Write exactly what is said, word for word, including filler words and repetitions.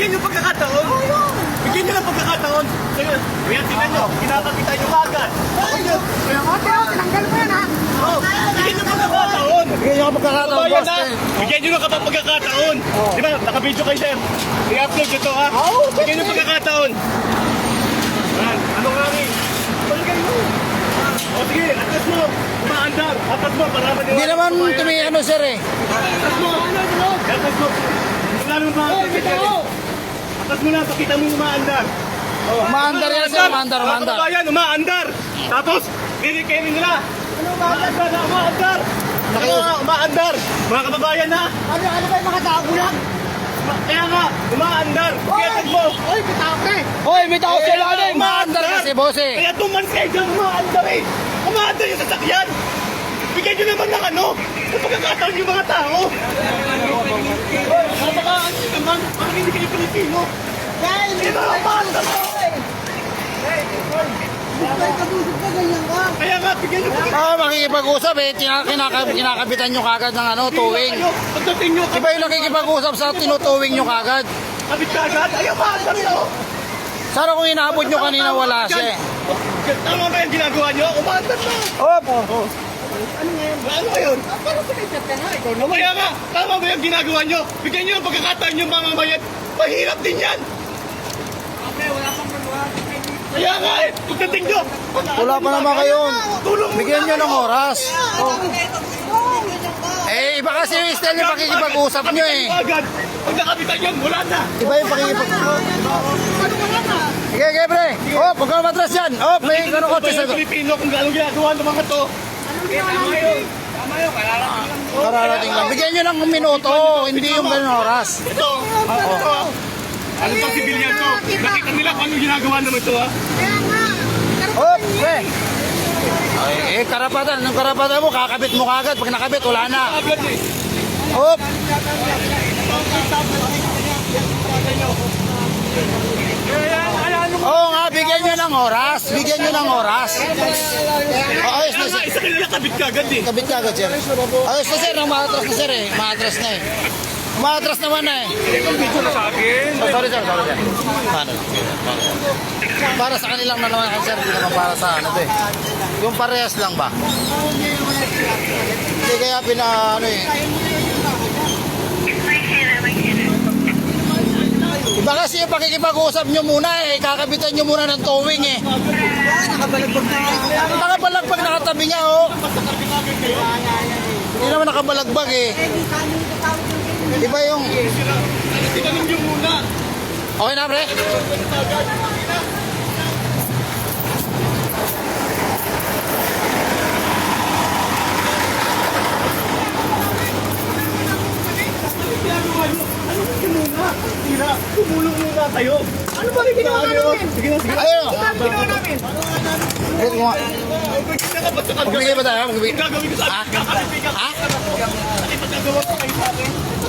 bigyan nyo pagkakataon. Bigyan nyo ng pagkakataon. Kaya tingnan nyo, kinakakita nyo agad. Kaya nga, Teo, tinanggal mo yan, ha? Oh, bigyan nyo pagkakataon. Bigyan nyo ka pagkakataon, Kabayan boss. na. eh. Bigyan nyo ng kapag pagkakataon. Di ba, naka-video kayo, sir. I-upload nyo to, ha? Bigyan nyo pagkakataon. Yan, ano nga rin? Balikan mo. O sige, atas mo. Umaandar. Atas mo, para maniwala. Hindi naman tumi ano, sir eh. Atas mo. Atas mo. Wala nang mga atas mo na, pakita mo yung umaandar. Umaandar yan, sir. Umaandar, Mga umaandar. kababayan, umaandar. Tapos, dinikainin nila. Ano umaandar na umaandar? Ano nga, umaandar. Mga kababayan na. Ano, ano ba yung mga tao lang? Kaya nga, umaandar. Kaya mo. Oy, bitape! Hoy, may tao Kaya sila nga, ano eh. Umaandar kasi, boss eh. Kaya tuman kayo dyan, umaandar eh. Umaandar yung sasakyan. Bigyan nyo naman ng ano. Ang pagkakataon yung mga tao. Napakaaan nyo naman. Bakit hindi kayo Pilipino? Dahil, Hindi ba umaandar mo? Ay, kabusog ka, ganyan ka. Kaya nga, bigyan nyo pagkakataon. Ah, makikipag-usap eh. Tina- kinaka- kinakabitan nyo kagad ng ano, towing. Pagdating nyo, Iba yung nakikipag-usap sa tinutuwing nyo kagad. kabit ka agad. Ayaw, umaandar nyo. Sana kung inaabot nyo kanina, wala siya eh. Tama ba yung ginagawa nyo? Umaandar na. Opo. Ano ngayon? Ano ngayon? Pero sumikat ka nga, ikaw naman. Kaya nga, tama ba yung ginagawa nyo? Bigyan nyo ng pagkakataon yung mga mayan. Mahirap din yan. Okay, wala pang maluwa. Kaya nga eh, pagdating nyo. Wala pa naman kayo. Tulong muna Bigyan nyo ng kayo. oras. Eh, iba kasi yung style yung pakikipag-usap nyo eh. Agad. Pag nakabitan yan, wala na. Iba yung pakikipag... Sige, sige, pre. Oh, huwag ka matras yan. Oh, may ano Ano kotse sa... Pilipino kung anong ginagawa ng mga to. Tama yun. Tama yun. Kararating lang. Bigyan nyo ng minuto, hindi yung ganun oras. Ito. Ito. Ano pang sibilyan to? Nakita nila kung anong ginagawa naman to ha. Kaya nga. Oh, pre. Ay, eh, karapatan. Anong karapatan mo? Kakabit mo kagad. Pag nakabit, wala na. Agad eh. Oh, oo nga, bigyan nyo ng oras. Bigyan nyo ng oras. Oh, ayos na, Kaya nga, sir. isa kanila kabit ka agad eh. Kabit ka agad, sir. Ayos na, sir. Nang maatras na, sir eh. Maatras na eh. Maatras naman na eh. Video na sa akin. Oh, sorry, sir. Sorry, sir. Paano? Para sa kanilang na naman, sir. Hindi naman para sa ano to eh. Yung parehas lang ba? Hindi kaya pina, ano eh. Iba kasi yung pakikipag-usap nyo muna eh. Kakabitan nyo muna ng towing eh. Nakabalagbag na. Nakabalagbag nakatabi niya oh. Hindi naman nakabalagbag eh. Iba yung... Tinanong nyo muna. Okay na, pre? Ginagawa nyo. Ano ba yun muna? Tira, tumulong muna kayo. Ano ba rin ginawa namin? Sige na, sige na. Ayun. Ano ginawa namin? Wait mo nga. Magbigay na ka ba sa Magbigay ba tayo? Ang Magbigay. gagawin ko sa Ha? akin, kakalipigan. Ha? Kasi pagkagawa ko kayo sa akin,